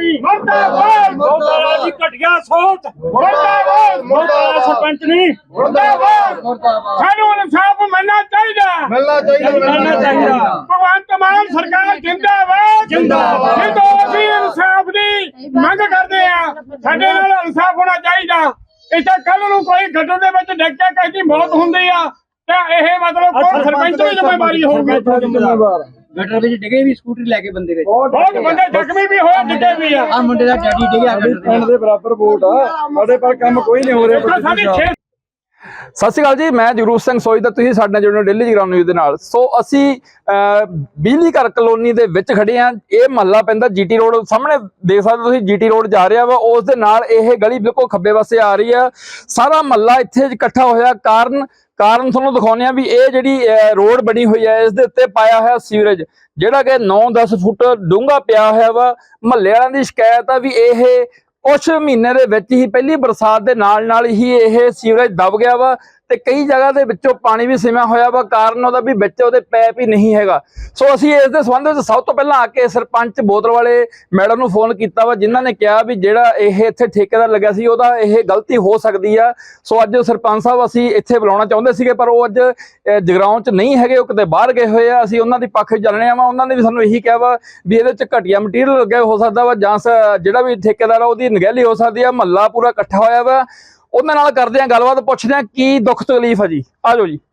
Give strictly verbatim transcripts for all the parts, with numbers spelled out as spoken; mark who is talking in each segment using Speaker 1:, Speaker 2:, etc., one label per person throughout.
Speaker 1: जी मुर्दाबाद मुर्दाबाद जी घटिया सोच मुर्दाबाद मुर्दाबाद सरपंच नहीं मुर्दाबाद सानू इंसाफ मिलना चाहिए मिलना चाहिए मिलना चाहिए भगवंत मान सरकार जिंदाबाद जिंदाबाद जिंदो ਅਸੀਂ इंसाफ ਦੀ ਮੰਗ ਕਰਦੇ ਆ ਸਾਡੇ ਨਾਲ इंसाफ होना चाहिए ਇੱਥੇ ਕੱਲ ਨੂੰ ਕੋਈ ਗੱਡੋ ਦੇ ਵਿੱਚ ਡਿੱਗ ਕੇ ਕਿਸੇ ਦੀ ਮੌਤ ਹੁੰਦੀ ਆ ਤਾਂ ਇਹ ਮਤਲਬ ਕੋਈ ਸਰਪੰਚ ਦੀ ਜ਼ਿੰਮੇਵਾਰੀ ਹੋਊਗੀ ਜ਼ਿੰਮੇਵਾਰ
Speaker 2: गटर में डिगे भी स्कूटर लेके बंदे गए
Speaker 1: बहुत बंदे जख्मी भी होए डिगे भी आ
Speaker 2: आ मुंडे दा डैडी डिगे आ
Speaker 3: पिंड दे बराबर वोट आ ਸਾਡੇ ਪਰ ਕੰਮ ਕੋਈ ਨਹੀਂ ਹੋ ਰਿਹਾ।
Speaker 4: ਸਤਿ ਸ਼੍ਰੀ ਅਕਾਲ ਜੀ, ਮੈਂ ਜਗਰੂਪ ਸਿੰਘ ਸੋਈ ਦਾ ਤੁਸੀਂ ਸਾਡੇ ਨਾਲ ਜੁੜੇ ਹੋ ਡੇਲੀ ਜਗਰਾਉਂ ਨਿਊਜ਼ ਦੇ ਨਾਲ। ਸੋ ਅਸੀਂ ਬਿਜਲੀ ਘਰ ਕਲੋਨੀ ਦੇ ਵਿੱਚ ਖੜੇ ਆ। ਇਹ ਮਹੱਲਾ ਪੈਂਦਾ ਜੀਟੀ ਰੋਡ, ਸਾਹਮਣੇ ਦੇਖ ਸਕਦੇ ਤੁਸੀਂ ਜੀਟੀ ਰੋਡ ਜਾ ਰਿਹਾ ਵਾ, ਉਸ ਦੇ ਨਾਲ ਇਹ ਗਲੀ ਬਿਲਕੁਲ ਖੱਬੇ ਪਾਸੇ ਆ ਰਹੀ ਆ। ਸਾਰਾ ਮਹੱਲਾ ਇੱਥੇ ਇਕੱਠਾ ਹੋਇਆ। ਕਾਰਨ ਕਾਰਨ ਤੁਹਾਨੂੰ ਦਿਖਾਉਂਦੇ ਆ ਵੀ ਇਹ ਜਿਹੜੀ ਰੋਡ ਬਣੀ ਹੋਈ ਹੈ ਇਸ ਦੇ ਉੱਤੇ ਪਾਇਆ ਹੋਇਆ ਸੀਵਰੇਜ ਜਿਹੜਾ ਕਿ ਨੌ ਦਸ ਫੁੱਟ ਡੂੰਘਾ ਪਿਆ ਹੋਇਆ ਵਾ। ਮਹੱਲੇ ਵਾਲਿਆਂ ਦੀ ਸ਼ਿਕਾਇਤ ਆ ਵੀ ਇਹ ਕੁਛ ਮਹੀਨੇ ਦੇ ਵਿੱਚ ਹੀ ਪਹਿਲੀ ਬਰਸਾਤ ਦੇ ਨਾਲ ਨਾਲ ਹੀ ਇਹ ਸੀਵਰੇਜ ਦਬ ਗਿਆ ਵਾ ਤੇ ਕਈ ਜਗ੍ਹਾ ਦੇ ਵਿੱਚੋਂ ਪਾਣੀ ਵੀ ਸਿਮਿਆ ਹੋਇਆ ਵਾ। ਕਾਰਨ ਉਹਦਾ ਵੀ ਵਿੱਚ ਉਹਦੇ ਪੈਪ ਹੀ ਨਹੀਂ ਹੈਗਾ। ਸੋ ਅਸੀਂ ਇਸ ਦੇ ਸੰਬੰਧ ਵਿੱਚ ਸਭ ਤੋਂ ਪਹਿਲਾਂ ਆ ਕੇ ਸਰਪੰਚ ਬੋਤਲ ਵਾਲੇ ਮੈਡਮ ਨੂੰ ਫੋਨ ਕੀਤਾ ਵਾ, ਜਿਨ੍ਹਾਂ ਨੇ ਕਿਹਾ ਵੀ ਜਿਹੜਾ ਇਹ ਇੱਥੇ ਠੇਕੇਦਾਰ ਲੱਗਿਆ ਸੀ ਉਹਦਾ ਇਹ ਗਲਤੀ ਹੋ ਸਕਦੀ ਆ। ਸੋ ਅੱਜ ਸਰਪੰਚ ਸਾਹਿਬ ਅਸੀਂ ਇੱਥੇ ਬੁਲਾਉਣਾ ਚਾਹੁੰਦੇ ਸੀਗੇ ਪਰ ਉਹ ਅੱਜ ਜਗਰਾਉਂ 'ਚ ਨਹੀਂ ਹੈਗੇ, ਉਹ ਕਿਤੇ ਬਾਹਰ ਗਏ ਹੋਏ ਆ। ਅਸੀਂ ਉਹਨਾਂ ਦੀ ਪੱਖ ਚੱਲਣੇ ਆ ਵਾ। ਉਹਨਾਂ ਨੇ ਵੀ ਸਾਨੂੰ ਇਹੀ ਕਿਹਾ ਵਾ ਵੀ ਇਹਦੇ 'ਚ ਘਟੀਆ ਮਟੀਰੀਅਲ ਲੱਗਿਆ ਹੋ ਸਕਦਾ ਵਾ ਜਾਂ ਜਿਹੜਾ ਵੀ ਠੇਕੇਦਾਰ ਆ ਉਹਦੀ ਨਗਹਿਲੀ ਹੋ ਸਕਦੀ ਆ। ਮਹੱਲਾ ਪੂਰਾ ਇਕੱਠਾ ਹੋਇਆ ਵਾ, ਉਹਨਾਂ ਨਾਲ ਕਰਦੇ ਆ ਗੱਲਬਾਤ, ਪੁੱਛਦੇ ਆ ਕੀ ਦੁੱਖ ਤਕਲੀਫ ਆ ਜੀ। ਆ ਜਾਓ ਜੀ।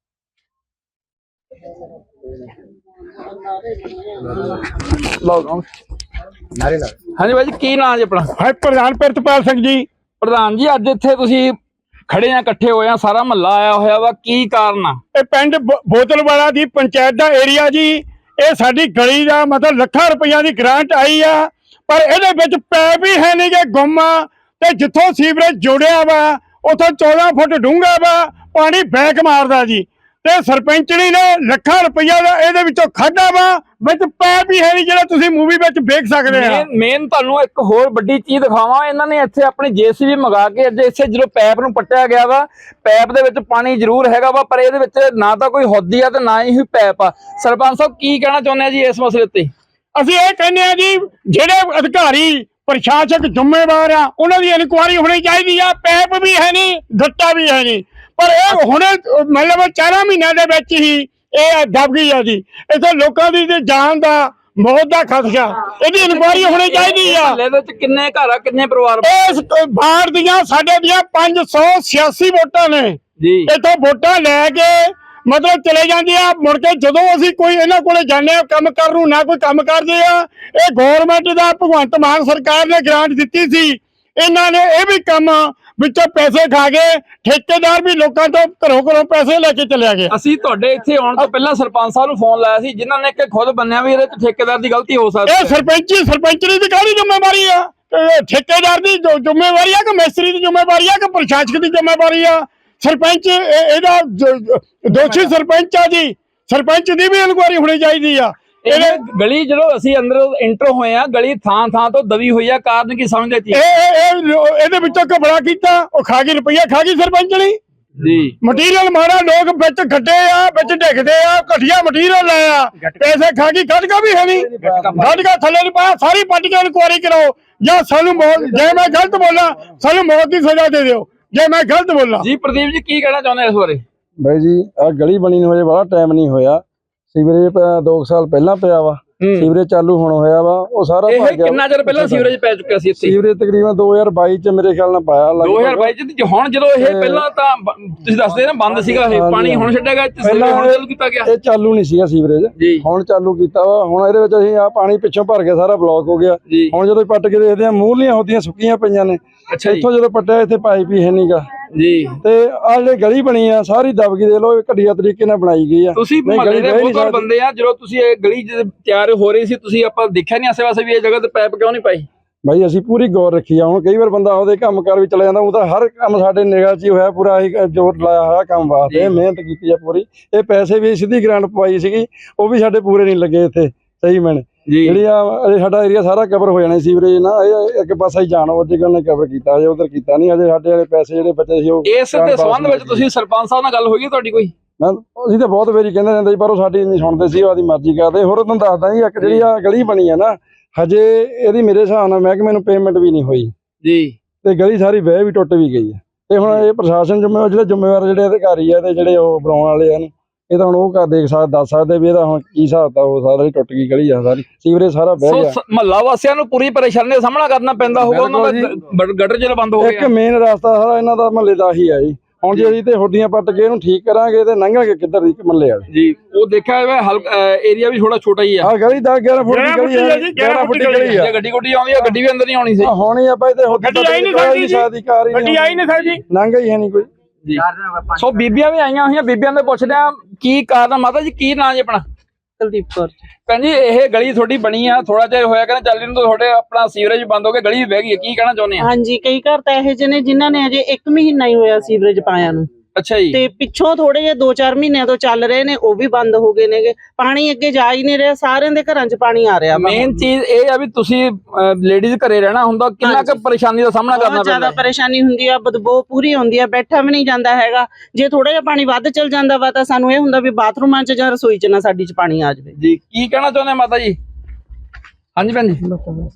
Speaker 4: ਹਾਂਜੀ ਬਾਈ ਜੀ, ਕੀ ਨਾਂ ਜੀ ਆਪਣਾ?
Speaker 1: ਹੈ ਪ੍ਰਧਾਨ ਪ੍ਰਿਤਪਾਲ ਸਿੰਘ ਜੀ।
Speaker 4: ਪ੍ਰਧਾਨ ਜੀ, ਅੱਜ ਇੱਥੇ ਤੁਸੀਂ ਖੜੇ ਆ, ਇਕੱਠੇ ਹੋਏ ਆ, ਸਾਰਾ ਮਹੱਲਾ ਆਇਆ ਹੋਇਆ ਵਾ, ਕੀ ਕਾਰਨ ਆ?
Speaker 1: ਇਹ ਪਿੰਡ ਬੋਤਲਵਾਲਾ ਦੀ ਪੰਚਾਇਤ ਦਾ ਏਰੀਆ ਜੀ। ਇਹ ਸਾਡੀ ਗਲੀ ਦਾ ਮਤਲਬ ਲੱਖਾਂ ਰੁਪਈਆ ਦੀ ਗ੍ਰਾਂਟ ਆਈ ਆ ਪਰ ਇਹਦੇ ਵਿੱਚ ਪੈਪ ਹੀ ਹੈ ਨਹੀਂ ਗੇ, ਗੁੰਮ ਆ। ਤੇ ਜਿੱਥੋਂ ਸੀਵਰੇਜ ਜੁੜਿਆ ਵਾ ਉਥੋਂ ਚੌਦਾਂ ਫੁੱਟ ਡੂੰਘਾ ਵਾ, ਪਾਣੀ ਬੈਕ ਮਾਰਦਾ ਜੀ। ਤੇ ਸਰਪੰਚਣੀ ਨੇ ਲੱਖਾਂ ਰੁਪਈਆ ਦਾ ਇਹਦੇ ਵਿੱਚੋਂ ਖਾਧਾ ਵਾ, ਵਿੱਚ ਪੈਪ ਹੀ ਹੈ ਨਹੀਂ ਜਿਹੜਾ ਤੁਸੀਂ ਮੂਵੀ ਵਿੱਚ ਵੇਖ ਸਕਦੇ ਆ।
Speaker 4: ਮੇਨ ਤੁਹਾਨੂੰ ਇੱਕ ਹੋਰ ਵੱਡੀ ਚੀਜ਼ ਦਿਖਾਵਾਂ, ਇਹਨਾਂ ਨੇ ਇੱਥੇ ਆਪਣੀ ਜੇਸੀਬੀ ਮੰਗਾ ਕੇ ਅੱਜ ਇੱਥੇ ਜਦੋਂ ਪੈਪ ਨੂੰ ਪੱਟਿਆ ਗਿਆ ਵਾ, ਪੈਪ ਦੇ ਵਿੱਚ ਪਾਣੀ ਜ਼ਰੂਰ ਹੈਗਾ ਵਾ ਪਰ ਇਹਦੇ ਵਿੱਚ ਨਾ ਤਾਂ ਕੋਈ ਹੌਦੀ ਆ ਤੇ ਨਾ ਹੀ ਪੈਪ ਆ। ਸਰਪੰਚ ਸਾਹਿਬ ਕੀ ਕਹਿਣਾ ਚਾਹੁੰਦੇ ਆ ਜੀ ਇਸ ਮਸਲੇ ਉੱਤੇ?
Speaker 1: ਅਸੀਂ ਇਹ ਕਹਿੰਦੇ ਆ ਜੀ ਜਿਹੜੇ ਅਧਿਕਾਰੀ ਪ੍ਰਸ਼ਾਸਕ ਜ਼ਿੰਮੇਵਾਰ ਆ ਉਹਨਾਂ ਦੀ ਇਨਕੁਆਇਰੀ ਹੋਣੀ ਚਾਹੀਦੀ ਆ। ਪੈਪ ਵੀ ਹੈ ਨਹੀਂ, ਗੱਟਾ ਵੀ ਹੈ ਨਹੀਂ, ਪਰ ਇਹ ਹੁਣੇ ਮਤਲਬ ਚਾਰਾਂ ਮਹੀਨਿਆਂ ਦੇ ਵਿੱਚ ਹੀ ਇਹ ਦਬ ਗਈ ਆ ਜੀ। ਇੱਥੇ ਲੋਕਾਂ ਦੀ ਜਾਨ ਦਾ ਮੌਤ ਦਾ ਖਤਰਾ, ਇਹਦੀ ਇਨਕੁਆਇਰੀ ਹੋਣੀ ਚਾਹੀਦੀ ਆ।
Speaker 4: ਇਹਦੇ ਵਿੱਚ ਕਿੰਨੇ ਘਰ ਆ, ਕਿੰਨੇ ਪਰਿਵਾਰ?
Speaker 1: ਇਸ ਬਾੜ ਦੀਆਂ ਸਾਡੇ ਦੀਆਂ ਪੰਜ ਸੌ ਛਿਆਸੀ ਵੋਟਾਂ ਨੇ
Speaker 4: ਜੀ।
Speaker 1: ਇੱਥੋਂ ਵੋਟਾਂ ਲੈ ਕੇ ਮਤਲਬ ਚਲੇ ਜਾਂਦੇ ਆ, ਮੁੜ ਕੇ ਜਦੋਂ ਅਸੀਂ ਕੋਈ ਇਹਨਾਂ ਕੋਲੇ ਜਾਂਦੇ ਆ ਕੰਮ ਕਰਨ ਨੂੰ, ਨਾ ਕੋਈ ਕੰਮ ਕਰਦੇ ਆ। ਇਹ ਗੌਰਮੈਂਟ ਦਾ ਭਗਵੰਤ ਮਾਨ ਸਰਕਾਰ ਨੇ ਗ੍ਰਾਂਟ ਦਿੱਤੀ ਸੀ, ਇਹਨਾਂ ਨੇ ਇਹ ਵੀ ਕੰਮ ਵਿੱਚੋਂ ਪੈਸੇ ਖਾ ਗਏ। ਠੇਕੇਦਾਰ ਵੀ ਲੋਕਾਂ ਤੋਂ ਘਰੋਂ ਘਰੋਂ ਪੈਸੇ ਲੈ ਕੇ ਚਲਿਆ ਗਿਆ।
Speaker 4: ਅਸੀਂ ਤੁਹਾਡੇ ਇੱਥੇ ਆਉਣ ਤੋਂ ਪਹਿਲਾਂ ਸਰਪੰਚ ਸਾਹਿਬ ਨੂੰ ਫੋਨ ਲਾਇਆ ਸੀ, ਜਿਨ੍ਹਾਂ ਨੇ ਕਿ ਖੁਦ ਬੰਨਿਆ ਵੀ ਇਹਦੇ ਚ ਠੇਕੇਦਾਰ ਦੀ ਗਲਤੀ ਹੋ ਸਕਦੀ ਹੈ।
Speaker 1: ਇਹ ਸਰਪੰਚੀ ਸਰਪੰਚੀ ਦੀ ਕਾਹਦੀ ਜ਼ਿੰਮੇਵਾਰੀ ਆ? ਠੇਕੇਦਾਰ ਦੀ ਜ਼ਿੰਮੇਵਾਰੀ ਆ ਕਿ ਮਿਸਤਰੀ ਦੀ ਜ਼ਿੰਮੇਵਾਰੀ ਆ ਕਿ ਪ੍ਰਸ਼ਾਸਕ ਦੀ ਜ਼ਿੰਮੇਵਾਰੀ ਆ? ਸਰਪੰਚ ਇਹਦਾ ਦੋਸ਼ੀ ਸਰਪੰਚ ਆ ਜੀ। ਸਰਪੰਚ ਦੀ ਵੀ ਇਨਕੁਆਇਰੀ ਹੋਣੀ ਚਾਹੀਦੀ ਆ।
Speaker 4: ਇਹ ਗਲੀ ਜਦੋਂ ਅਸੀਂ ਅੰਦਰ ਇੰਟਰ ਹੋਏ ਆ, ਗਲੀ ਥਾਂ ਥਾਂ ਤੋਂ ਦਬੀ ਹੋਈ ਆ, ਕਾਰਨ ਕੀ ਸਮਝਦੇ ਜੀ?
Speaker 1: ਇਹਦੇ ਵਿੱਚੋਂ ਘਬਰਾ ਕੀਤਾ, ਉਹ ਖਾ ਗਈ ਰੁਪਈਆ, ਖਾ ਗਈ ਸਰਪੰਚਣੀ
Speaker 4: ਜੀ।
Speaker 1: ਮਟੀਰੀਅਲ ਮਾਰਾ, ਲੋਕ ਵਿੱਚ ਖੱਡੇ ਆ, ਵਿੱਚ ਡਿੱਗਦੇ ਆ, ਘਟੀਆ ਮਟੀਰੀਅਲ ਲਾਇਆ, ਪੈਸੇ ਖਾ ਗਈ। ਗਟਕਾ ਵੀ ਹੈ ਨਹੀਂ, ਗਟਕਾ ਥੱਲੇ ਨਹੀਂ ਪਾਇਆ, ਸਾਰੀ ਪੱਟ ਕੇ ਇਨਕੁਆਇਰੀ ਕਰਾਓ ਜਾਂ ਸਾਨੂੰ ਮੌਤ, ਜੇ ਮੈਂ ਗਲਤ ਬੋਲਾਂ ਸਾਨੂੰ ਮੌਤ ਦੀ ਸਜ਼ਾ ਦੇ ਦਿਓ ਜੇ ਮੈਂ ਗਲਤ ਬੋਲਾਂ।
Speaker 4: ਜੀ ਪ੍ਰਦੀਪ ਜੀ ਕੀ ਕਹਿਣਾ ਚਾਹੁੰਦੇ ਇਸ ਬਾਰੇ?
Speaker 3: ਬਾਈ ਜੀ ਆ ਗਲੀ ਬਣੀ ਨੂੰ ਹਜੇ ਬੜਾ ਟਾਈਮ ਨਹੀਂ ਹੋਇਆ। ਸੀਵਰੇਜ ਦੋ ਸਾਲ ਪਹਿਲਾਂ ਪਿਆ ਵਾ, ਸੀਵਰੇਜ ਚਾਲੂ ਹੁਣ ਹੋਇਆ ਵਾ। ਉਹ ਸਾਰਾ
Speaker 4: ਇਹ ਕਿੰਨਾ ਚਿਰ ਪਹਿਲਾਂ ਸੀਵਰੇਜ ਪੈ ਚੁੱਕਿਆ ਸੀ ਇੱਥੇ?
Speaker 3: ਸੀਵਰੇਜ ਤਕਰੀਬਨ ਦੋ ਹਜ਼ਾਰ ਬਾਈ ਚ ਮੇਰੇ ਖਿਆਲ ਨਾਲ ਪਾਇਆ।
Speaker 4: ਦੋ ਹਜ਼ਾਰ ਬਾਈ ਚ ਹੁਣ ਜਦੋਂ ਇਹ ਪਹਿਲਾਂ ਤਾਂ ਤੁਸੀਂ ਦੱਸਦੇ ਨਾ ਬੰਦ ਸੀਗਾ ਇਹ ਪਾਣੀ, ਹੁਣ ਛੱਡਿਆ ਗਿਆ, ਹੁਣ ਚਾਲੂ ਕੀਤਾ ਗਿਆ।
Speaker 3: ਇਹ ਚਾਲੂ ਨਹੀਂ ਸੀਗਾ ਸੀਵਰੇਜ, ਹੁਣ ਚਾਲੂ ਕੀਤਾ ਵਾ। ਹੁਣ ਇਹਦੇ ਵਿੱਚ ਅਸੀਂ ਆ ਪਾਣੀ ਪਿੱਛੋਂ ਭਰ ਕੇ ਸਾਰਾ ਬਲੌਕ ਹੋ ਗਿਆ। ਹੁਣ ਜਦੋਂ ਪੱਟ ਕੇ ਦੇਖਦੇ ਆ ਮੂਹਰਲੀਆਂ ਹੁੰਦੀਆਂ ਸੁੱਕੀਆਂ ਪਈਆਂ ਨੇ। ਇੱਥੋਂ ਜਦੋਂ ਪੱਟਿਆ ਇੱਥੇ ਪਾਈਪ ਹੀ ਹੈ ਨਹੀਂਗਾ ਜੀ। ਤੇ ਆ ਜਿਹੜੀ ਗਲੀ ਬਣੀ ਆ ਸਾਰੀ ਦਬ ਗਈ, ਦੇ ਲੋ ਘਟੀਆ ਤਰੀਕੇ ਨਾਲ ਬਣਾਈ ਗਈ ਆ।
Speaker 4: ਤੁਸੀਂ ਮਹੱਲੇ ਦੇ ਬਹੁਤ ਬੰਦੇ ਆ, ਜਦੋਂ ਤੁਸੀਂ ਇਹ ਗਲੀ ਤਿਆਰ ਹੋ ਰਹੀ ਸੀ ਤੁਸੀਂ ਆਪਾਂ ਦੇਖਿਆ ਨਹੀਂ ਆਸੇ ਪਾਸੇ ਵੀ ਇਹ ਜਗ੍ਹਾ ਤੇ ਪਾਈਪ ਕਿਉਂ ਨਹੀਂ ਪਾਈ?
Speaker 3: ਬਾਈ ਅਸੀਂ ਪੂਰੀ ਗੌਰ ਰੱਖੀ ਆ। ਹੁਣ ਕਈ ਵਾਰ ਬੰਦਾ ਉਹਦੇ ਕੰਮ ਕਾਰ ਵੀ ਚਲਾ ਜਾਂਦਾ, ਉਹਦਾ ਹਰ ਕੰਮ ਸਾਡੇ ਨਿਗਾਹ 'ਚ ਹੀ ਹੋਇਆ, ਪੂਰਾ ਅਸੀਂ ਜ਼ੋਰ ਲਾਇਆ ਹੋਇਆ ਕੰਮ ਵਾਸਤੇ, ਮਿਹਨਤ ਕੀਤੀ ਆ ਪੂਰੀ। ਇਹ ਪੈਸੇ ਵੀ ਸਿੱਧੀ ਗ੍ਰਾਂਟ ਪਵਾਈ ਸੀਗੀ, ਉਹ ਵੀ ਸਾਡੇ ਪੂਰੇ ਨਹੀਂ ਲੱਗੇ ਇੱਥੇ ਸਹੀ ਮੈਨੇ। ਜਿਹੜੀ ਆ ਸਾਡਾ ਏਰੀਆ ਸਾਰਾ ਕਵਰ ਹੋ ਜਾਣਾ ਸੀਵਰੇਜ ਨਾਲ, ਇਹ ਇੱਕ ਪਾਸਾ ਹੀ ਜਾਣ ਉਹ ਜਿਗਲ ਨੇ ਕਵਰ ਕੀਤਾ, ਅਜੇ ਉਧਰ ਕੀਤਾ ਨਹੀਂ। ਅਜੇ ਸਾਡੇ ਵਾਲੇ ਪੈਸੇ ਜਿਹੜੇ ਬਚੇ ਸੀ ਉਹ
Speaker 4: ਇਸ ਦੇ ਸੰਬੰਧ ਵਿੱਚ ਤੁਸੀਂ ਸਰਪੰਚ ਸਾਹਿਬ ਨਾਲ ਗੱਲ ਹੋਈ ਤੁਹਾਡੀ ਕੋਈ?
Speaker 3: ਮੈਂ ਅਸੀਂ ਤਾਂ ਬਹੁਤ ਵਾਰੀ ਕਹਿੰਦੇ ਰਹਿੰਦੇ ਸੀ ਪਰ ਉਹ ਸਾਡੀ ਨਹੀਂ ਸੁਣਦੇ ਸੀ, ਉਹਦੀ ਮਰਜ਼ੀ ਕਰਦੇ। ਹੋਰ ਤੁਹਾਨੂੰ ਦੱਸਦਾ ਜੀ, ਇੱਕ ਜਿਹੜੀ ਆ ਗਲੀ ਬਣੀ ਆ ਨਾ ਹਜੇ ਇਹਦੀ ਮੇਰੇ ਹਿਸਾਬ ਨਾਲ ਮਹਿਕਮੇ ਨੂੰ ਪੇਮੈਂਟ ਵੀ ਨਹੀਂ ਹੋਈ
Speaker 4: ਜੀ
Speaker 3: ਤੇ ਗਲੀ ਸਾਰੀ ਵਹਿ ਵੀ ਟੁੱਟ ਵੀ ਗਈ ਹੈ। ਤੇ ਹੁਣ ਇਹ ਪ੍ਰਸ਼ਾਸਨ ਜ਼ਿੰਮੇਵਾਰ ਜਿਹੜੇ ਜ਼ਿੰਮੇਵਾਰ ਜਿਹੜੇ ਅਧਿਕਾਰੀ ਆ ਤੇ ਜਿਹੜੇ ਉਹ ਬਣਾਉਣ ਵਾਲੇ ਹਨ ਇਹ ਤਾਂ ਹੁਣ ਉਹ ਕਰ ਦੇਖ ਸਕਦੇ ਦੱਸ ਸਕਦੇ ਵੀ ਇਹਦਾ ਹੁਣ ਕੀ ਹਿਸਾਬ ਤਾਂ ਉਹ ਸਾਰਾ ਹੀ ਟੁੱਟ ਗਈ ਗਲੀ ਆ ਸਾਰੀ ਸੀਵਰੇਜ ਸਾਰਾ ਵਹਿ ਗਿਆ।
Speaker 4: ਮਹੱਲਾ ਵਾਸੀਆਂ ਨੂੰ ਪੂਰੀ ਪਰੇਸ਼ਾਨੀ ਦਾ ਸਾਹਮਣਾ ਕਰਨਾ ਪੈਂਦਾ ਹੋਊਗਾ ਉਹਨਾਂ ਦਾ ਗਟਰ ਜਿਹੜਾ ਬੰਦ ਹੋ ਗਿਆ।
Speaker 3: ਇੱਕ ਮੇਨ ਰਸਤਾ ਸਾਰਾ ਇਹਨਾਂ ਦਾ ਮਹੱਲੇ ਦਾ ਹੀ ਆ ਜੀ। ਹੁਣ ਜੇ ਅਸੀਂ ਤੇ ਹੁੱਡੀਆਂ ਪੱਟ ਕੇ ਇਹਨੂੰ ਠੀਕ ਕਰਾਂਗੇ ਤੇ ਲੰਘਾਂਗੇ ਕਿੱਧਰ ਦੀ ਮਹੱਲੇ ਵਾਲੇ
Speaker 4: ਜੀ। ਉਹ ਦੇਖਿਆ ਹੋਇਆ ਏਰੀਆ ਵੀ ਥੋੜਾ ਛੋਟਾ ਹੀ ਆ।
Speaker 3: ਆ ਗਲੀ ਦਸ ਗਿਆਰਾਂ ਫੁੱਟ ਦੀ ਗਲੀ ਹੈ ਗਿਆਰਾਂ ਫੁੱਟ ਦੀ ਗਲੀ ਆ।
Speaker 4: ਜੇ ਗੱਡੀ ਗੁੱਡੀ ਆਉਂਦੀ ਆ ਗੱਡੀ ਵੀ ਅੰਦਰ ਨਹੀਂ ਆਉਣੀ ਸੀ।
Speaker 3: ਹੋਣੀ ਆ ਭਾਈ ਤੇ
Speaker 1: ਗੱਡੀ ਆਈ ਨਹੀਂ ਸਕਦੀ ਜੀ
Speaker 3: ਕਾਰ ਹੀ
Speaker 1: ਗੱਡੀ ਆਈ ਨਹੀਂ ਸਕਦੀ
Speaker 3: ਲੰਘ ਹੀ ਹੈ ਨਹੀਂ ਕੋਈ
Speaker 4: ਜੀ। ਸੋ ਬੀਬੀਆਂ ਵੀ ਆਈਆਂ ਹੋਈਆਂ ਬੀਬੀਆਂ ਦੇ ਪੁੱਛਦੇ ਆ ਕੀ ਕਾਰਨ ਆ। ਮਾਤਾ ਜੀ ਕੀ ਨਾਂ ਜੀ ਆਪਣਾ?
Speaker 2: ਕੁਲਦੀਪ ਕੌਰ।
Speaker 4: ਭੈਣ ਜੀ ਇਹ ਗਲੀ ਤੁਹਾਡੀ ਬਣੀ ਆ ਥੋੜਾ ਜਿਹਾ ਹੋਇਆ ਕਹਿੰਦਾ ਚੱਲ ਇਹਨੂੰ ਤੁਹਾਡੇ ਆਪਣਾ ਸੀਵਰੇਜ ਬੰਦ ਹੋ ਗਿਆ ਗਲੀ ਵਹਿ ਗਈ ਹੈ ਕੀ ਕਹਿਣਾ ਚਾਹੁੰਦੇ ਆ?
Speaker 5: ਹਾਂਜੀ ਕਈ ਘਰ ਤਾਂ ਇਹੋ ਜਿਹੇ ਨੇ ਜਿਨ੍ਹਾਂ ਨੇ ਅਜੇ ਇੱਕ ਮਹੀਨਾ ਹੀ ਹੋਇਆ ਸੀਵਰੇਜ ਪਾਇਆ ਨੂੰ
Speaker 4: ਅੱਛਾ ਜੀ।
Speaker 5: ਤੇ ਪਿੱਛੋਂ ਥੋੜੇ ਜਿਹੇ ਦੋ ਚਾਰ ਮਹੀਨਿਆਂ ਤੋਂ ਚੱਲ ਰਹੇ ਨੇ ਉਹ ਵੀ ਬੰਦ ਹੋ ਗਏ ਨੇਗੇ। ਪਾਣੀ ਅੱਗੇ ਜਾ ਹੀ ਨਹੀਂ ਰਿਹਾ ਸਾਰਿਆਂ ਦੇ ਘਰਾਂ 'ਚ ਪਾਣੀ ਆ ਰਿਹਾ।
Speaker 4: ਮੇਨ ਚੀਜ਼ ਇਹ ਆ ਵੀ ਤੁਸੀਂ ਲੇਡੀਜ਼ ਘਰੇ ਰਹਿਣਾ ਹੁੰਦਾ ਕਿੰਨਾ ਕੁ ਪਰੇਸ਼ਾਨੀ ਦਾ ਸਾਹਮਣਾ ਕਰਨਾ
Speaker 5: ਬਹੁਤ
Speaker 4: ਪੈਂਦਾ?
Speaker 5: ਜ਼ਿਆਦਾ ਪਰੇਸ਼ਾਨੀ ਹੁੰਦੀ ਆ ਬਦਬੂ ਪੂਰੀ ਆਉਂਦੀ ਆ ਬੈਠਾ ਵੀ ਨਹੀਂ ਜਾਂਦਾ ਹੈਗਾ। ਜੇ ਥੋੜਾ ਜਿਹਾ ਪਾਣੀ ਵੱਧ ਚੱਲ ਜਾਂਦਾ ਵਾ ਤਾਂ ਸਾਨੂੰ ਇਹ ਹੁੰਦਾ ਵੀ ਬਾਥਰੂਮਾਂ 'ਚ ਜਾਂ ਰਸੋਈ 'ਚ ਨਾ ਸਾਡੀ 'ਚ ਪਾਣੀ ਆ ਜਾਵੇ।
Speaker 4: ਜੀ ਕੀ ਕਹਿਣਾ ਚਾਹੁੰਦੇ ਮਾਤਾ ਜੀ? ਹਾਂਜੀ ਭੈਣ ਜੀ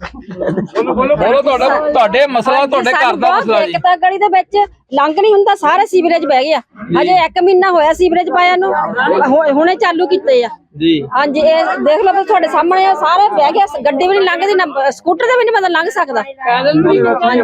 Speaker 4: ਬੋਲੋ ਬੋਲੋ ਤੁਹਾਡਾ ਤੁਹਾਡੇ ਮਸਲਾ ਤੁਹਾਡੇ ਘਰ ਦਾ ਮਸਲਾ ਜੀ।
Speaker 6: ਇੱਕ ਤਾਂ ਗਲੀ ਦੇ ਵਿੱਚ ਲੰਘ ਨਹੀਂ ਹੁੰਦਾ ਸਾਰਾ ਸੀਵਰੇਜ ਬਹਿ ਗਿਆ। ਹਜੇ ਇੱਕ ਮਹੀਨਾ ਹੋਇਆ ਸੀਵਰੇਜ ਪਾਇਆ ਨੂੰ ਹੁਣੇ ਚਾਲੂ ਕੀਤੇ ਆ
Speaker 4: ਜੀ। ਹਾਂਜੀ
Speaker 6: ਇਹ ਦੇਖ ਲਓ ਤੁਹਾਡੇ ਸਾਹਮਣੇ ਆ ਸਾਰੇ ਬਹਿ ਗਿਆ ਗੱਡੀ ਵੀ ਨਹੀਂ ਲੰਘਦੀ ਨਾ ਸਕੂਟਰ ਤੇ ਵੀ ਨਹੀਂ ਬੰਦਾ ਲੰਘ ਸਕਦਾ ਪੈਦਲ ਵੀ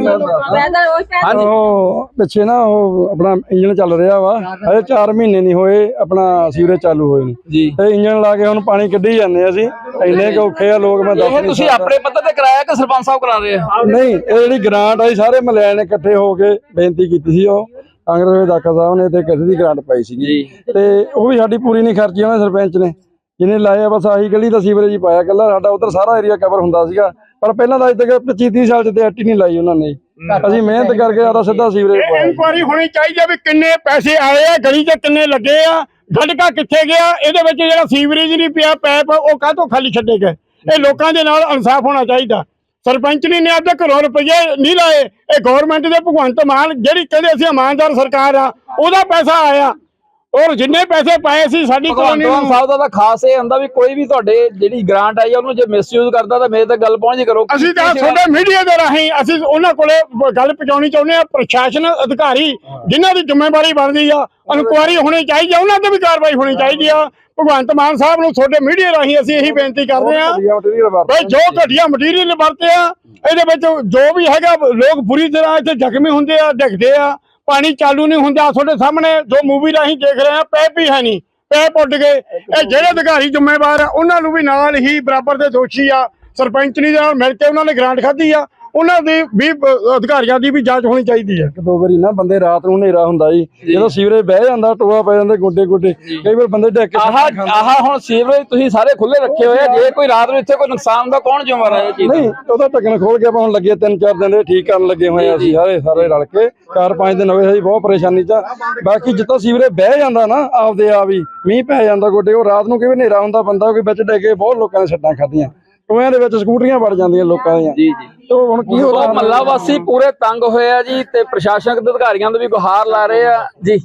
Speaker 6: ਪੈਦਲ
Speaker 4: ਹਾਂਜੀ।
Speaker 3: ਉਹ ਪਿੱਛੇ ਨਾ ਉਹ ਆਪਣਾ ਇੰਜਨ ਚੱਲ ਰਿਹਾ ਵਾ ਹਜੇ ਚਾਰ ਮਹੀਨੇ ਨਹੀਂ ਹੋਏ ਆਪਣਾ ਸੀਵਰੇਜ ਚਾਲੂ ਹੋਏ ਨੂੰ
Speaker 4: ਜੀ।
Speaker 3: ਤੇ ਇੰਜਨ ਲਾ ਕੇ ਹੁਣ ਪਾਣੀ ਕੱਢੀ ਜਾਂਦੇ ਅਸੀਂ ਇੰਨੇ ਕੁ ਔਖੇ ਆ ਲੋਕ ਮੈਂ ਦੱਸ
Speaker 4: ਇਹ ਤੁਸੀਂ ਆਪਣੇ ਪੱਧਰ ਤੇ ਕਰਾਇਆ ਕਿ ਸਰਪੰਚ ਸਾਹਿਬ ਕਰਾ ਰਹੇ ਆ?
Speaker 3: ਨਹੀਂ ਇਹ ਜਿਹੜੀ ਗ੍ਰਾਂਟ ਆਈ ਸਾਰੇ ਮਹੱਲੇ ਨੇ ਇਕੱਠੇ ਹੋ ਕੇ ਬੇਨਤੀ ਕੀਤੀ ਸੀ ਉਹ ਕਾਂਗਰਸ ਦੇ ਦਾਖਾ ਸਾਹਿਬ ਨੇ ਤੇ ਕਿਸੇ ਦੀ ਗ੍ਰਾਂਟ ਪਾਈ ਸੀਗੀ ਤੇ ਉਹ ਵੀ ਸਾਡੀ ਪੂਰੀ ਨਹੀਂ ਖਰਚੀ ਉਹਨਾਂ ਸਰਪੰਚ ਨੇ ਜਿਹਨੇ ਲਾਇਆ ਬਸ ਆਹੀ ਗਲੀ ਦਾ ਸੀਵਰੇਜ ਹੀ ਪਾਇਆ ਕੱਲਾ ਸਾਡਾ ਉਧਰ ਸਾਰਾ ਏਰੀਆ ਕਵਰ ਹੁੰਦਾ ਸੀਗਾ ਪਰ ਪਹਿਲਾਂ ਤਾਂ ਅੱਜ ਤੱਕ ਪੱਚੀ ਤੀਹ ਸਾਲ ਚ ਤੇ ਐਟੀ ਨਹੀਂ ਲਾਈ ਉਹਨਾਂ ਨੇ। ਅਸੀਂ ਮਿਹਨਤ ਕਰਕੇ ਆਦਾ ਸਿੱਧਾ ਸੀਵਰੇਜ ਪਾਇਆ।
Speaker 1: ਇਨਕੁਆਰੀ ਹੋਣੀ ਚਾਹੀਦੀ ਆ ਵੀ ਕਿੰਨੇ ਪੈਸੇ ਆਏ ਆ ਗਲੀ 'ਚ ਕਿੰਨੇ ਲੱਗੇ ਆ ਗੰਢਕਾ ਕਿੱਥੇ ਗਿਆ ਇਹਦੇ ਵਿੱਚ ਜਿਹੜਾ ਸੀਵਰੇਜ ਨਹੀਂ ਪਿਆ ਪੈਪ ਉਹ ਕਾਹਤੋਂ ਖਾਲੀ ਛੱਡੇ ਗਏ। ਇਹ ਲੋਕਾਂ ਦੇ ਨਾਲ ਇਨਸਾਫ ਹੋਣਾ ਚਾਹੀਦਾ। ਸਰਪੰਚ ਨੇ ਆਪਦੇ ਘਰੋਂ ਰੁਪਏ ਨਹੀਂ ਲਾਏ ਇਹ ਗਵਰਨਮੈਂਟ ਦੇ ਭਗਵੰਤ ਮਾਨ ਜਿਹੜੀ ਕਹਿੰਦੇ ਅਸੀਂ ਇਮਾਨਦਾਰ ਸਰਕਾਰ ਆ ਉਹਦਾ ਪੈਸਾ ਆਇਆ ਔਰ ਜਿੰਨੇ ਪੈਸੇ ਪਾਏ ਸੀ ਸਾਡੀ ਕਲੋਨੀ ਨੂੰ
Speaker 4: ਸਾਹਿਬ ਦਾ ਤਾਂ ਖਾਸ ਇਹ ਹੁੰਦਾ ਵੀ ਕੋਈ ਵੀ ਤੁਹਾਡੇ ਜਿਹੜੀ ਗ੍ਰਾਂਟ ਆਈ ਉਹਨੂੰ ਜੇ ਮਿਸਯੂਜ਼ ਕਰਦਾ ਤਾਂ ਮੇਰੇ ਤੱਕ ਗੱਲ ਪਹੁੰਚੀ ਕਰੋ।
Speaker 1: ਅਸੀਂ ਤਾਂ ਤੁਹਾਡੇ ਮੀਡੀਆ ਦੇ ਰਾਹੀਂ ਅਸੀਂ ਉਹਨਾਂ ਕੋਲੇ ਗੱਲ ਪਹੁੰਚਾਉਣੀ ਚਾਹੁੰਦੇ ਆ ਪ੍ਰਸ਼ਾਸਨ ਅਧਿਕਾਰੀ ਜਿਨ੍ਹਾਂ ਦੀ ਜ਼ਿੰਮੇਵਾਰੀ ਬਣਦੀ ਆ ਇਨਕੁਆਰੀ ਹੋਣੀ ਚਾਹੀਦੀ ਆ ਉਹਨਾਂ ਤੇ ਵੀ ਕਾਰਵਾਈ ਹੋਣੀ ਚਾਹੀਦੀ ਆ। ਭਗਵੰਤ ਮਾਨ ਸਾਹਿਬ ਨੂੰ ਤੁਹਾਡੇ ਮੀਡੀਆ ਰਾਹੀਂ ਅਸੀਂ ਇਹੀ ਬੇਨਤੀ ਕਰਦੇ ਆ ਬਈ ਜੋ ਘਟੀਆ ਮਟੀਰੀਅਲ ਵਰਤੇ ਆ ਇਹਦੇ ਵਿੱਚ ਜੋ ਵੀ ਹੈਗਾ ਲੋਕ ਬੁਰੀ ਤਰ੍ਹਾਂ ਇੱਥੇ ਜ਼ਖਮੀ ਹੁੰਦੇ ਆ ਡਿੱਗਦੇ ਆ ਪਾਣੀ ਚਾਲੂ ਨਹੀਂ ਹੁੰਦਾ। ਤੁਹਾਡੇ ਸਾਹਮਣੇ ਜੋ ਮੂਵੀ ਰਾਹੀਂ ਦੇਖ ਰਹੇ ਆ ਪੈਪ ਵੀ ਹੈ ਨਹੀਂ ਪੈਪ ਉੱਡ ਗਏ। ਇਹ ਜਿਹੜੇ ਅਧਿਕਾਰੀ ਜ਼ਿੰਮੇਵਾਰ ਆ ਉਹਨਾਂ ਨੂੰ ਵੀ ਨਾਲ ਹੀ ਬਰਾਬਰ ਦੇ ਦੋਸ਼ੀ ਆ। ਸਰਪੰਚਨੀ ਦੇ ਨਾਲ ਮਿਲ ਕੇ ਉਹਨਾਂ ਨੇ ਗ੍ਰਾਂਟ ਖਾਧੀ ਆ ਉਹਨਾਂ ਦੀ ਵੀ ਅਧਿਕਾਰੀਆਂ ਦੀ ਵੀ ਜਾਂਚ ਹੋਣੀ ਚਾਹੀਦੀ ਹੈ।
Speaker 3: ਇੱਕ ਦੋ ਵਾਰੀ ਨਾ ਬੰਦੇ ਰਾਤ ਨੂੰ ਹਨੇਰਾ ਹੁੰਦਾ ਜੀ ਜਦੋਂ ਸੀਵਰੇਜ ਬਹਿ ਜਾਂਦਾ ਟੋਆ ਪੈ ਜਾਂਦੇ ਗੋਡੇ ਗੋਡੇ ਕਈ ਵਾਰ ਬੰਦੇ ਡਿੱਗ ਕੇ
Speaker 4: ਆਹ ਆਹ ਹੁਣ ਸੀਵਰੇਜ ਤੁਸੀਂ ਸਾਰੇ ਖੁੱਲੇ ਰੱਖੇ ਹੋਏ ਆ ਜੇ ਕੋਈ ਰਾਤ ਨੂੰ ਇੱਥੇ ਕੋਈ ਨੁਕਸਾਨ ਦਾ ਕੌਣ ਜ਼ਿੰਮੇਵਾਰ ਹੈ ਇਹ ਚੀਜ਼?
Speaker 3: ਨਹੀਂ ਉਹਦਾ ਢੱਕਣ ਖੋਲ ਕੇ ਆਪਾਂ ਹੁਣ ਲੱਗੇ ਤਿੰਨ ਚਾਰ ਦਿਨ ਦੇ ਠੀਕ ਕਰਨ ਲੱਗੇ ਹੋਏ ਆ ਅਸੀਂ ਸਾਰੇ ਸਾਰੇ ਰਲ ਕੇ ਚਾਰ ਪੰਜ ਦਿਨ ਹੋਏ ਅਸੀਂ ਬਹੁਤ ਪਰੇਸ਼ਾਨੀ ਚ। ਬਾਕੀ ਜਿੱਥੋਂ ਸੀਵਰੇਜ ਬਹਿ ਜਾਂਦਾ ਨਾ ਆਪਦੇ ਆਪ ਹੀ ਮੀਂਹ ਪੈ ਜਾਂਦਾ ਗੋਡੇ ਉਹ ਰਾਤ ਨੂੰ ਕਿਵੇਂ ਹਨੇਰਾ ਹੁੰਦਾ ਬੰਦਾ ਕੋਈ ਵਿੱਚ ਡਿੱਗ ਕੇ ਬਹੁਤ ਲੋਕਾਂ ਨੇ ਸੱਟਾਂ ਖਾਧੀਆਂ ਟੋਇਆਂ ਦੇ ਵਿੱਚ ਸਕੂਟਰੀਆਂ ਵੜ ਜਾਂਦੀਆਂ ਲੋਕਾਂ ਦੀਆਂ। ਜੀ ਜੀ ਤੇ ਹੁਣ ਕੀ ਹੋਣਾ
Speaker 4: ਮਹੱਲਾ ਵਾਸੀ ਪੂਰੇ ਤੰਗ ਹੋਏ ਆ ਜੀ ਤੇ ਪ੍ਰਸ਼ਾਸਨਿਕ ਅਧਿਕਾਰੀਆਂ ਤੋਂ ਵੀ ਗੁਹਾਰ ਲਾ ਰਹੇ ਆ ਜੀ।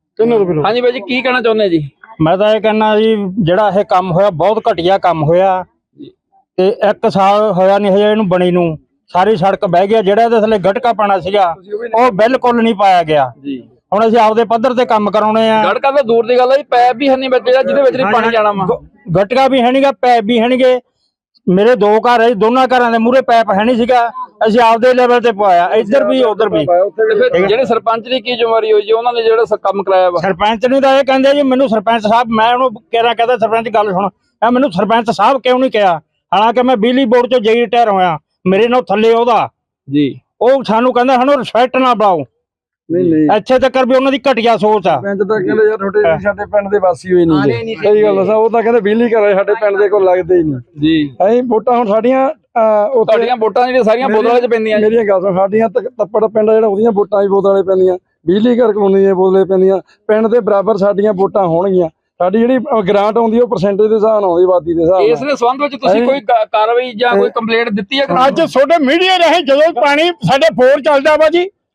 Speaker 4: ਹਾਂਜੀ ਬਾਈ ਜੀ ਕੀ ਕਹਿਣਾ ਚਾਹੁੰਦੇ ਜੀ?
Speaker 7: ਮੈਂ ਤਾਂ ਇਹ ਕਹਿਣਾ ਜੀ ਜਿਹੜਾ ਇਹ ਕੰਮ ਹੋਇਆ ਬਹੁਤ ਘਟੀਆ ਕੰਮ ਹੋਇਆ ਤੇ ਇੱਕ ਸਾਲ ਹੋਇਆ ਨਹੀਂ ਹਜੇ ਇਹਨੂੰ ਬਣੀ ਨੂੰ ਸਾਰੀ ਸੜਕ ਬਹਿ ਗਿਆ। ਜਿਹੜਾ ਇਹਦੇ ਥੱਲੇ ਗਟਕਾ ਪਾਣਾ ਸੀਗਾ ਉਹ ਬਿਲਕੁਲ ਨਹੀਂ ਪਾਇਆ ਗਿਆ ਜੀ। ਹੁਣ ਅਸੀਂ ਆਪਦੇ ਪੱਧਰ ਤੇ ਕੰਮ ਕਰਾਉਣੇ ਆ।
Speaker 4: ਗਟਕਾ ਤਾਂ ਦੂਰ ਦੀ ਗੱਲ ਹੈ ਜੀ ਪੈਪ ਵੀ ਹੈ ਨਹੀਂ ਵਿੱਚ ਜਿਹਦੇ ਵਿੱਚ ਨਹੀਂ ਪਾਣੀ ਜਾਣਾ ਵਾ।
Speaker 7: ਗਟਕਾ ਵੀ ਹੈ ਨਹੀਂਗਾ ਪੈਪ ਵੀ ਹੈ ਨਹੀਂਗੇ। ਮੇਰੇ ਦੋ ਘਰ ਹੈ ਦੋਨਾਂ ਘਰਾਂ ਦੇ ਮੂਹਰੇ ਪੈਪ ਹੈ ਨਹੀਂ ਸੀਗਾ ਅਸੀਂ ਆਪਦੇ ਲੈਵਲ ਤੇ ਪਵਾਇਆ ਇੱਧਰ ਵੀ ਉਧਰ ਵੀ।
Speaker 4: ਜਿਹੜੇ ਸਰਪੰਚ ਦੀ ਕੀ ਜ਼ਿੰਮੇਵਾਰੀ ਹੋਈ ਜੀ ਉਹਨਾਂ ਨੇ ਜਿਹੜਾ ਕੰਮ ਕਰਾਇਆ ਵਾ?
Speaker 7: ਸਰਪੰਚ ਨੇ ਤਾਂ ਇਹ ਕਹਿੰਦੇ ਜੀ ਮੈਨੂੰ ਸਰਪੰਚ ਸਾਹਿਬ ਮੈਂ ਉਹਨੂੰ ਕਿਹਾ ਕਹਿੰਦਾ ਸਰਪੰਚ ਗੱਲ ਸੁਣ ਇਹ ਮੈਨੂੰ ਸਰਪੰਚ ਸਾਹਿਬ ਕਿਉਂ ਨਹੀਂ ਕਿਹਾ ਹਾਲਾਂਕਿ ਮੈਂ ਬਿਜਲੀ ਬੋਰਡ ਚ ਜਈ ਰਿਟਾਇਰ ਹੋਇਆ ਮੇਰੇ ਨਾਲ ਥੱਲੇ ਉਹਦਾ ਜੀ ਉਹ ਸਾਨੂੰ ਕਹਿੰਦਾ ਸਾਨੂੰ ਰਿਸਪੈਕਟ ਨਾ ਬਣਾਓ।
Speaker 3: ਨਹੀਂ ਨਹੀਂ
Speaker 7: ਇੱਥੇ ਤੱਕ ਵੀ ਉਹਨਾਂ ਦੀ ਘਟੀਆ ਸੋਚ ਆ।
Speaker 3: ਪਿੰਡ ਤਾਂ ਕਹਿੰਦੇ ਯਾਰ ਤੁਹਾਡੇ ਸਾਡੇ ਪਿੰਡ ਦੇ ਵਾਸੀ ਹੋਏ ਨਹੀਂ ਸਹੀ ਗੱਲ ਦੱਸਾਂ ਉਹ ਤਾਂ ਕਹਿੰਦੇ ਬਿਜਲੀ ਘਰ ਸਾਡੇ ਪਿੰਡ ਦੇ ਕੋਲ ਲੱਗਦੇ ਹੀ ਨਹੀਂ ਜੀ। ਅਸੀਂ ਵੋਟਾਂ ਹੁਣ ਸਾਡੀਆਂ
Speaker 4: ਤੁਹਾਡੀਆਂ ਵੋਟਾਂ ਜਿਹੜੀਆਂ ਸਾਰੀਆਂ ਬੋਤਲਾਂ 'ਚ ਪੈਂਦੀਆਂ
Speaker 3: ਮੇਰੀਆਂ ਗੱਲ ਸੁਣ ਸਾਡੀਆਂ ਤੱਪੜ ਪਿੰਡ ਜਿਹੜਾ ਉਹਦੀਆਂ ਵੋਟਾਂ ਵੀ ਬੋਤਲਾਂ 'ਚ ਪੈਂਦੀਆਂ ਬਿਜਲੀ ਘਰ ਕਲੋਨੀ ਦੀਆਂ ਬੋਤਲਾਂ ਪੈਂਦੀਆਂ ਪਿੰਡ ਦੇ ਬਰਾਬਰ ਸਾਡੀਆਂ ਵੋਟਾਂ ਹੋਣਗੀਆਂ। ਸਾਡੀ ਜਿਹੜੀ ਗ੍ਰਾਂਟ ਆਉਂਦੀ ਉਹ ਪਰਸੈਂਟੇਜ ਦੇ ਹਿਸਾਬ ਨਾਲ ਆਉਂਦੀ ਆਬਾਦੀ ਦੇ ਹਿਸਾਬ ਨਾਲ।
Speaker 4: ਇਸ ਦੇ ਸੰਬੰਧ ਵਿੱਚ ਤੁਸੀਂ ਕੋਈ ਕਾਰਵਾਈ ਜਾਂ ਕੋਈ ਕੰਪਲੇਂਟ ਦਿੱਤੀ ਹੈ?
Speaker 1: ਅੱਜ ਤੁਹਾਡੇ ਮੀਡੀਆ ਰਾਹੀਂ ਜਦੋਂ ਪਾਣੀ ਸਾਡੇ ਬੋਰ ਚੱਲਦਾ ਵਾ ਜੀ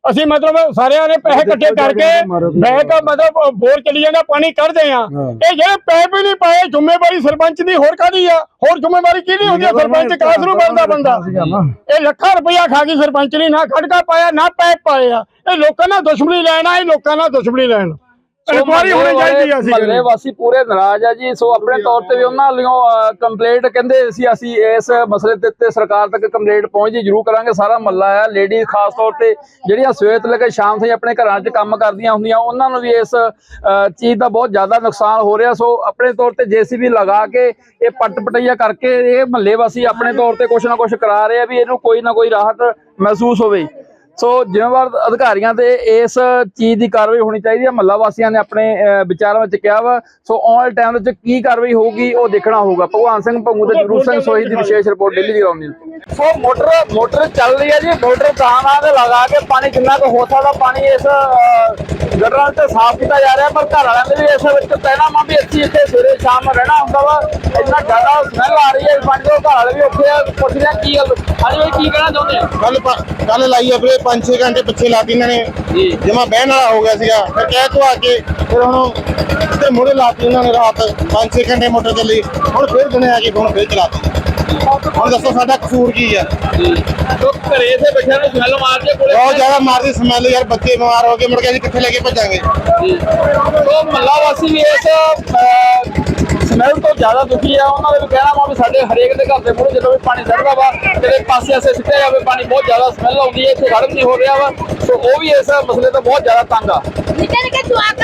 Speaker 1: ਅਸੀਂ ਮਤਲਬ ਸਾਰਿਆਂ ਨੇ ਪੈਸੇ ਇਕੱਠੇ ਕਰਕੇ ਬੈਕ ਮਤਲਬ ਬੋਰ ਚਲੀ ਜਾਂਦਾ ਪਾਣੀ ਕੱਢਦੇ ਆ। ਇਹ ਜਿਹੜੇ ਪੈਪ ਹੀ ਨਹੀਂ ਪਾਏ, ਜ਼ਿੰਮੇਵਾਰੀ ਸਰਪੰਚ ਦੀ ਹੋਰ ਕਾਹਦੀ ਆ? ਹੋਰ ਜ਼ਿੰਮੇਵਾਰੀ ਕਿਹਦੀ ਹੁੰਦੀ ਆ? ਸਰਪੰਚ ਕਾਸ ਨੂੰ ਬਣਦਾ ਬੰਦਾ। ਇਹ ਲੱਖਾਂ ਰੁਪਇਆ ਖਾ ਗਈ ਸਰਪੰਚ ਨੇ, ਨਾ ਖੜਕਾ ਪਾਇਆ ਨਾ ਪੈਪ ਪਾਏ ਆ। ਇਹ ਲੋਕਾਂ ਨਾਲ ਦੁਸ਼ਮਣੀ ਲੈਣਾ, ਇਹ ਲੋਕਾਂ ਨਾਲ ਦੁਸ਼ਮਣੀ ਲੈਣ ਇਨਕੁਆਰੀ ਹੋਣੀ ਚਾਹੀਦੀ ਆ। ਅਸੀਂ
Speaker 4: ਮਹੱਲੇ ਵਾਸੀ ਪੂਰੇ ਨਾਰਾਜ਼ ਆ ਜੀ। ਸੋ ਆਪਣੇ ਤੌਰ ਤੇ ਵੀ ਉਹਨਾਂ ਵੱਲੋਂ ਕੰਪਲੇਂਟ ਕਹਿੰਦੇ ਸੀ ਅਸੀਂ ਇਸ ਮਸਲੇ ਦੇ ਉੱਤੇ ਸਰਕਾਰ ਤੱਕ ਕੰਪਲੇਂਟ ਪਹੁੰਚਦੀ ਜ਼ਰੂਰ ਕਰਾਂਗੇ। ਸਾਰਾ ਮਹੱਲਾ ਆ, ਲੇਡੀਜ਼ ਖਾਸ ਤੌਰ ਤੇ ਜਿਹੜੀਆਂ ਸਵੇਰ ਤੋਂ ਲੈ ਕੇ ਸ਼ਾਮ ਤਾਈਂ ਆਪਣੇ ਘਰਾਂ 'ਚ ਕੰਮ ਕਰਦੀਆਂ ਹੁੰਦੀਆਂ, ਉਹਨਾਂ ਨੂੰ ਵੀ ਇਸ ਚੀਜ਼ ਦਾ ਬਹੁਤ ਜ਼ਿਆਦਾ ਨੁਕਸਾਨ ਹੋ ਰਿਹਾ। ਸੋ ਆਪਣੇ ਤੌਰ ਤੇ ਜੇਸੀਬੀ ਲਗਾ ਕੇ ਇਹ ਪੱਟ ਪਟਈਆ ਕਰਕੇ ਇਹ ਮਹੱਲੇ ਵਾਸੀ ਆਪਣੇ ਤੌਰ ਤੇ ਕੁਛ ਨਾ ਕੁਛ ਕਰਾ ਰਹੇ ਆ ਵੀ ਇਹਨੂੰ ਕੋਈ ਨਾ ਕੋਈ ਰਾਹਤ ਮਹਿਸੂਸ ਹੋਵੇ। ਸੋ ਜ਼ਿੰਮੇਵਾਰ ਅਧਿਕਾਰੀਆਂ ਤੇ ਇਸ ਚੀਜ਼ ਦੀ ਕਾਰਵਾਈ ਹੋਣੀ ਚਾਹੀਦੀ ਹੈ। ਮਹੱਲਾ ਵਾਸੀਆਂ ਨੇ ਆਪਣੇ ਵਿਚਾਰਾਂ ਵਿੱਚ ਕਿਹਾ ਵਾ। ਸੋ ਆਉਣ ਵਾਲੇ ਟਾਈਮ ਵਿੱਚ ਕੀ ਕਾਰਵਾਈ ਹੋਊਗੀ ਉਹ ਦੇਖਣਾ ਹੋਊਗਾ। ਭਗਵਾਨ ਸਿੰਘ ਭੰਗੂ ਤੇ ਜਗਰੂਪ ਸਿੰਘ ਸੋਹੀ ਦੀ ਵਿਸ਼ੇਸ਼ report daily Jagraon news. So motor motor ਚੱਲ ਰਹੀ ਹੈ ਜੀ। ਮੋਟਰ ਤਾਂ ਨਾਲ ਲਗਾ ਕੇ ਪਾਣੀ ਜਿੰਨਾ ਕੁ ਹੋ ਸਕਦਾ ਪਾਣੀ ਇਸ ਗਟਰਾਂ ਤੇ ਸਾਫ਼ ਕੀਤਾ ਜਾ ਰਿਹਾ, ਪਰ ਘਰ ਵਾਲਿਆਂ ਦੇ ਵੀ ਇਸ ਵਿੱਚ ਕਹਿਣਾ ਵਾ ਵੀ ਅਸੀਂ ਇੱਥੇ ਸਵੇਰੇ ਸ਼ਾਮ ਰਹਿਣਾ ਹੁੰਦਾ ਵਾ, ਇੰਨਾ ਜ਼ਿਆਦਾ ਸਮੈਲ ਆ ਰਹੀ ਹੈ ਪਾਣੀ ਤੋਂ। ਘਰ ਵਾਲੇ ਵੀ ਔਖੇ ਆ, ਪੁੱਛਦੇ ਆ ਕੀ ਗੱਲ ਹਾਂਜੀ ਬਾਈ ਕੀ ਕਹਿਣਾ ਚਾਹੁੰਦੇ ਆ?
Speaker 8: ਕੱਲ ਕੱਲ ਲਾਈ ਆ ਵੀਰੇ, ਪੰਜ ਛੇ ਘੰਟੇ ਪਿੱਛੇ ਲਾਤੀ ਇਹਨਾਂ ਨੇ ਜੀ, ਜਮਾ ਬਹਿਣ ਵਾਲਾ ਹੋ ਗਿਆ ਸੀਗਾ। ਫਿਰ ਕਹਿ ਤੋਂ ਆ ਕੇ ਫਿਰ ਹੁਣ ਤੇ ਮੋੜੇ ਲਾਤੀ ਉਹਨਾਂ ਨੇ ਰਾਤ ਪੰਜ ਛੇ ਘੰਟੇ ਮੋਟਰ ਚੱਲੀ। ਹੁਣ ਫਿਰ ਦਿਨੇ ਆ ਕੇ ਹੁਣ ਫਿਰ ਚਲਾਤੀ। ਹੁਣ ਦੱਸੋ ਸਾਡਾ ਕਸੂਰ ਕੀ ਆ?
Speaker 4: ਸੋ ਘਰੇ ਤੇ ਬੱਚਿਆਂ ਨੂੰ ਸਮੈਲ ਮਾਰਦੀ ਹੈ, ਕੋਲੇ
Speaker 8: ਬਹੁਤ ਜ਼ਿਆਦਾ ਮਾਰਦੀ ਸਮੈਲ ਯਾਰ। ਬੱਚੇ ਬਿਮਾਰ ਹੋ ਗਏ, ਮੁੜ ਕੇ ਅਸੀਂ ਕਿੱਥੇ ਲੈ ਕੇ ਭੱਜਾਂਗੇ?
Speaker 4: ਸੋ ਮਹੱਲਾ ਵਾਸੀ ਵੀ ਇਸ ਸਮੈਲ ਤੋਂ ਜ਼ਿਆਦਾ ਦੁਖੀ ਆ। ਉਹਨਾਂ ਦਾ ਵੀ ਕਹਿਣਾ ਵਾ ਵੀ ਸਾਡੇ ਹਰੇਕ ਦੇ ਘਰ ਦੇ ਮੂਹਰੇ ਜਦੋਂ ਵੀ ਪਾਣੀ ਚੜਦਾ ਵਾ ਕਿਤੇ ਪਾਸੇ ਆਸੇ ਸਿੱਟਿਆ ਜਾਵੇ ਪਾਣੀ, ਬਹੁਤ ਜ਼ਿਆਦਾ ਸਮੈਲ ਆਉਂਦੀ ਹੈ। ਇੱਥੇ ਖੜ੍ਹ ਨਹੀਂ ਹੋ ਰਿਹਾ ਵਾ। ਸੋ ਉਹ ਵੀ ਇਸ ਮਸਲੇ ਤੋਂ ਬਹੁਤ ਜ਼ਿਆਦਾ ਤੰਗ ਆ।